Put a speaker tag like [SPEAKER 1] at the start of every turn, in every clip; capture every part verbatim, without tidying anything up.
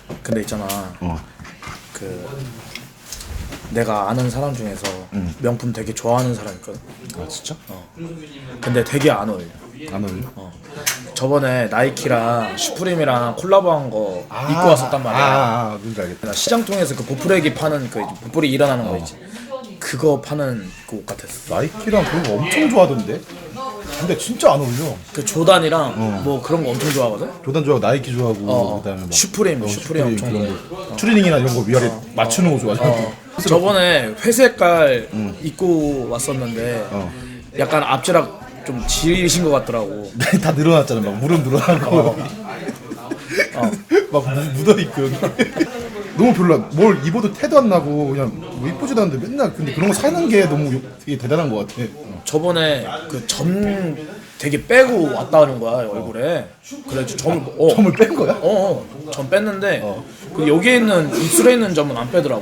[SPEAKER 1] 근데 있잖아.
[SPEAKER 2] 어.
[SPEAKER 1] 그 내가 아는 사람 중에서
[SPEAKER 2] 응.
[SPEAKER 1] 명품 되게 좋아하는 사람 있거든.
[SPEAKER 2] 아 진짜?
[SPEAKER 1] 어. 근데 되게 안 어울려.
[SPEAKER 2] 안 어울려?
[SPEAKER 1] 어. 저번에 나이키랑 슈프림이랑 콜라보한 거 입고 왔었단 말이야.
[SPEAKER 2] 아, 아, 아 뭔지 알겠다.
[SPEAKER 1] 나 시장 통해서 그 보풀액이 파는 그 보풀이 일어나는 거 있지. 그거 파는 그 옷 같았어.
[SPEAKER 2] 나이키랑 그런 거 엄청 좋아하던데? 근데 진짜 안 어울려.
[SPEAKER 1] 그 조단이랑 뭐 그런 거 엄청 좋아하거든.
[SPEAKER 2] 조단 좋아하고 나이키 좋아하고
[SPEAKER 1] 어,
[SPEAKER 2] 그다음에 막
[SPEAKER 1] 슈프림,
[SPEAKER 2] 어,
[SPEAKER 1] 슈프림 엄청
[SPEAKER 2] 그런
[SPEAKER 1] 좋아해.
[SPEAKER 2] 거. 추리닝이나 이런 거 위아래 맞추는 거 좋아하잖아.
[SPEAKER 1] 어. 저번에 회색깔 입고 왔었는데
[SPEAKER 2] 어.
[SPEAKER 1] 약간 앞지락 좀 지리신 것 같더라고.
[SPEAKER 2] 다 늘어났잖아. 막 무릎 늘어나고
[SPEAKER 1] 어.
[SPEAKER 2] 막 무- 묻어있고 여기. 너무 별로야. 뭘 입어도 태도 안 나고 그냥 뭐 이쁘지도 않은데 맨날 근데 그런 거 사는 게 너무 요- 되게 대단한 것 같아.
[SPEAKER 1] 저번에 그 점 되게 빼고 왔다는 거야 얼굴에. 그래서 점을 어,
[SPEAKER 2] 점을 뺀 거야?
[SPEAKER 1] 어, 어, 점 뺐는데 그 여기에 있는 입술에 있는 점은 안 빼더라고.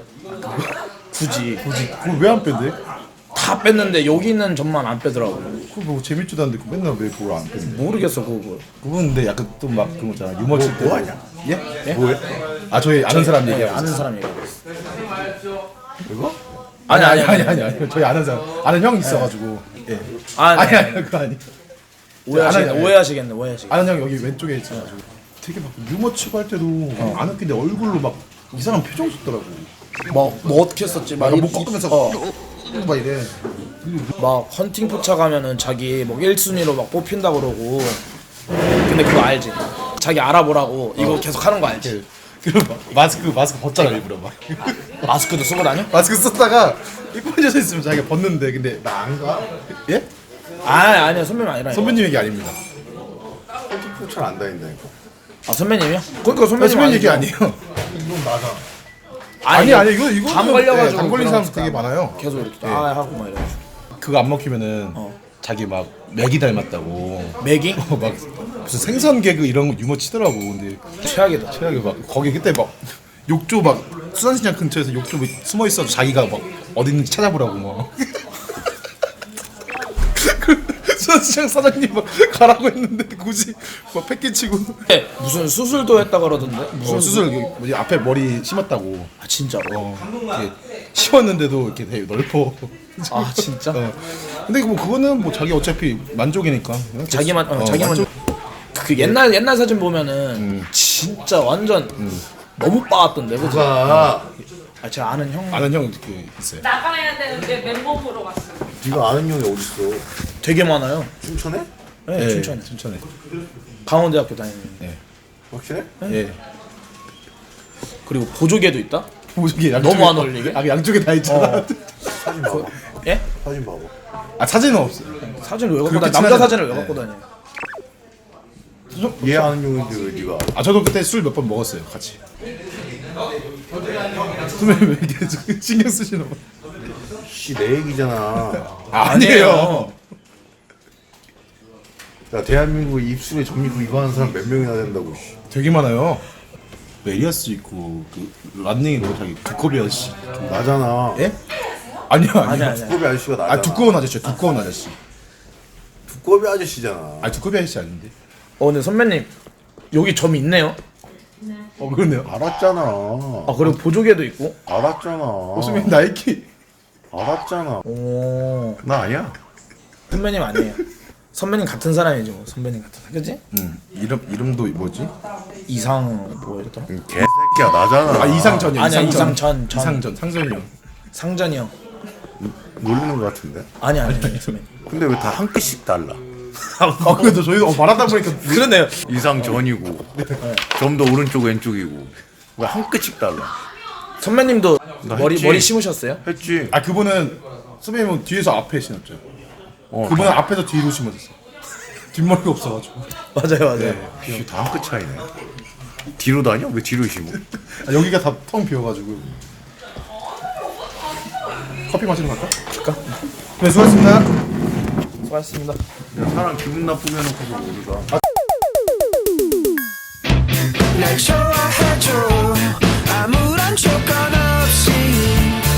[SPEAKER 1] 굳이
[SPEAKER 2] 굳이 그걸 왜 안 뺀대?
[SPEAKER 1] 다 뺐는데 여기 있는 점만 안 빼더라고.
[SPEAKER 2] 그거 뭐 재밌지도 않은데 그 맨날 왜 그걸 안 뺀대?
[SPEAKER 1] 모르겠어 그거.
[SPEAKER 2] 그건 근데 약간 또 막 그런 거잖아. 유머 칠 때. 뭐 하냐? 예?
[SPEAKER 1] 예?
[SPEAKER 2] 뭐해? 아 저희 아는 사람
[SPEAKER 1] 네,
[SPEAKER 2] 얘기하고
[SPEAKER 1] 아는
[SPEAKER 2] 있어.
[SPEAKER 1] 사람 얘기하고 있어.
[SPEAKER 2] 이거?
[SPEAKER 1] 아니,
[SPEAKER 2] 아니
[SPEAKER 1] 아니,
[SPEAKER 2] 아니 아니 아니 저희 아는 사람 아는 형 있어가지고 예.
[SPEAKER 1] 아니,
[SPEAKER 2] 아니
[SPEAKER 1] 아니,
[SPEAKER 2] 아니 그거 아니.
[SPEAKER 1] 오해하시겠네.
[SPEAKER 2] 아니, 아니.
[SPEAKER 1] 오해하시겠네. 오해하시겠네.
[SPEAKER 2] 아는 형 여기 왼쪽에 있어가지고 되게 막 유머 치고 할 때도 안 웃긴데 얼굴로 막 이상한 표정 짓더라고.
[SPEAKER 1] 뭐, 뭐 어떻게 했었지? 막,
[SPEAKER 2] 막
[SPEAKER 1] 이-
[SPEAKER 2] 목 꺾으면서
[SPEAKER 1] 어,
[SPEAKER 2] 막 이래.
[SPEAKER 1] 막 헌팅 포차 가면은 자기 뭐 일 순위로 막 뽑힌다 그러고. 근데 그거 알지? 자기 알아보라고 이거 계속 하는 거 알지?
[SPEAKER 2] 그리고 막 마스크 마스크 벗잖아 일부러 막.
[SPEAKER 1] 마스크도 쓰고 다녀?
[SPEAKER 2] 마스크 썼다가 이뻐져서 있으면 자기가 벗는데 근데 나 안 가? 예?
[SPEAKER 1] 아 아니야 선배님 아니라.
[SPEAKER 2] 선배님 얘기 아닙니다.
[SPEAKER 3] 잘안 다닌다니까.
[SPEAKER 1] 아 선배님이요? 그러니까
[SPEAKER 2] 아,
[SPEAKER 1] 선배님
[SPEAKER 2] 선배님 얘기
[SPEAKER 1] 아니죠.
[SPEAKER 2] 아니에요.
[SPEAKER 3] 이건 맞아.
[SPEAKER 2] 아니 아니 이거 이거
[SPEAKER 1] 감 걸려가지고
[SPEAKER 2] 감 걸린
[SPEAKER 1] 그런
[SPEAKER 2] 사람 되게 많아요.
[SPEAKER 1] 계속 이렇게
[SPEAKER 2] 예.
[SPEAKER 1] 아 하고 막 이래가지고.
[SPEAKER 2] 그거 안 먹히면은
[SPEAKER 1] 어.
[SPEAKER 2] 자기 막 맥이 닮았다고.
[SPEAKER 1] 맥이?
[SPEAKER 2] 어, 막 무슨 생선 개그 이런 거 유머 치더라고. 근데
[SPEAKER 1] 최악이다.
[SPEAKER 2] 최악에 막 거기 그때 막 욕조 막 수산시장 근처에서 욕조 막 숨어 있어서 자기가 막 어디 있는지 찾아보라고 막. 그 수산시장 사장님 막 가라고 했는데 굳이 막 패키치고.
[SPEAKER 1] 네, 무슨 수술도 했다 그러던데? 무슨
[SPEAKER 2] 무슨 수술 여기 뭐지 앞에 머리 심었다고.
[SPEAKER 1] 아 진짜로?
[SPEAKER 2] 어, 이렇게 심었는데도 이렇게 되게 넓어.
[SPEAKER 1] 아 진짜?
[SPEAKER 2] 어. 근데 뭐 그거는 뭐 자기 어차피 만족이니까. 그냥
[SPEAKER 1] 자기만 어,
[SPEAKER 2] 어,
[SPEAKER 1] 자기만
[SPEAKER 2] 만족-
[SPEAKER 1] 그 옛날 옛날 사진 보면은 진짜 완전 너무 빠았던데 그지?
[SPEAKER 3] 가
[SPEAKER 1] 아 제가 아는 형
[SPEAKER 2] 아는 형 이렇게 있어요.
[SPEAKER 4] 나가야 되는데 맨몸으로 갔어.
[SPEAKER 3] 네가 아는 형이 어딨어?
[SPEAKER 1] 되게 많아요.
[SPEAKER 3] 춘천에?
[SPEAKER 1] 네,
[SPEAKER 2] 예,
[SPEAKER 1] 춘천에
[SPEAKER 2] 춘천에.
[SPEAKER 1] 강원대학교 다니는.
[SPEAKER 3] 확실해?
[SPEAKER 2] 예.
[SPEAKER 1] 그리고 보조개도 있다?
[SPEAKER 2] 보조개
[SPEAKER 1] 너무 안 어울리게?
[SPEAKER 2] 아 양쪽에 다 있잖아.
[SPEAKER 1] 어.
[SPEAKER 3] 사진 봐봐.
[SPEAKER 1] 예?
[SPEAKER 3] 사진 봐봐.
[SPEAKER 2] 아 사진은 없어요.
[SPEAKER 1] 사진을 왜 갖고
[SPEAKER 2] 그렇게
[SPEAKER 1] 다니? 남자
[SPEAKER 2] 친하지-
[SPEAKER 1] 사진을 왜
[SPEAKER 2] 네.
[SPEAKER 1] 갖고 다녀?
[SPEAKER 3] 얘 아는 형인데 왜 네가?
[SPEAKER 2] 아 저도 그때 술 몇 번 먹었어요 같이. 선배님 왜 이렇게 신경 쓰시나 봐.
[SPEAKER 3] 씨내 얘기잖아.
[SPEAKER 2] 아, 아니에요.
[SPEAKER 3] 야 대한민국 입술에 점 있고 이거 하는 사람 몇 명이나 된다고. 씨.
[SPEAKER 2] 되게 많아요. 메리아스 있고 그 란닝이로 자기 두꺼비 아저씨.
[SPEAKER 3] 나잖아.
[SPEAKER 2] 예? 아니요 아니요.
[SPEAKER 1] 아니야, 아니야.
[SPEAKER 3] 두꺼비 아저씨가 나잖아.
[SPEAKER 2] 아 두꺼운 아저씨 두꺼운 아저씨.
[SPEAKER 3] 두꺼비 아저씨잖아.
[SPEAKER 2] 아 두꺼비 아저씨 아닌데.
[SPEAKER 1] 어 근데 선배님 여기 점이 있네요.
[SPEAKER 2] 어 그렇네요.
[SPEAKER 3] 알았잖아.
[SPEAKER 1] 아 그리고 보조개도 있고.
[SPEAKER 3] 알았잖아.
[SPEAKER 2] 선배님 나이키.
[SPEAKER 3] 알았잖아.
[SPEAKER 1] 오
[SPEAKER 3] 나 아니야.
[SPEAKER 1] 선배님 아니에요. 선배님 같은 사람이지 뭐 선배님 같은 사람 그지?
[SPEAKER 2] 응. 이름 이름도 뭐지?
[SPEAKER 1] 이상 뭐였더라?
[SPEAKER 3] 개새끼야 나잖아.
[SPEAKER 2] 아 이상전이요.
[SPEAKER 1] 아니야,
[SPEAKER 2] 이상전.
[SPEAKER 1] 이상전, 전.
[SPEAKER 2] 이상전 상전이 형.
[SPEAKER 1] 상전이 형.
[SPEAKER 3] 놀리는 거 같은데.
[SPEAKER 1] 아니 아니 아니 선배님.
[SPEAKER 3] 근데 왜 다 한 끗씩 달라?
[SPEAKER 2] 아 그래도 저희도 어, 말하다 보니까
[SPEAKER 1] 그러네요.
[SPEAKER 3] 이상 전이고 좀 더 오른쪽 왼쪽이고 왜 한 끗씩 달라?
[SPEAKER 1] 선배님도
[SPEAKER 3] 나
[SPEAKER 1] 머리
[SPEAKER 3] 했지.
[SPEAKER 1] 머리 심으셨어요?
[SPEAKER 3] 했지.
[SPEAKER 2] 아 그분은 선배님은 뒤에서 앞에 신었죠.
[SPEAKER 3] 어,
[SPEAKER 2] 그분은 앞에서 뒤로 심어졌어. 뒷머리가 없어가지고.
[SPEAKER 1] 맞아요 맞아요.
[SPEAKER 3] 다 한 끗 차이네. 뒤로 다녀? 왜 뒤로 심어?
[SPEAKER 2] 아, 여기가 다 텅 비어가지고. 커피 마시러 갈까?
[SPEAKER 1] 갈까?
[SPEAKER 2] 네 수고하셨습니다.
[SPEAKER 1] 수고하셨습니다.
[SPEAKER 3] 야, 사람 기분 나쁘게 해놓고서 모르다.
[SPEAKER 5] 날 좋아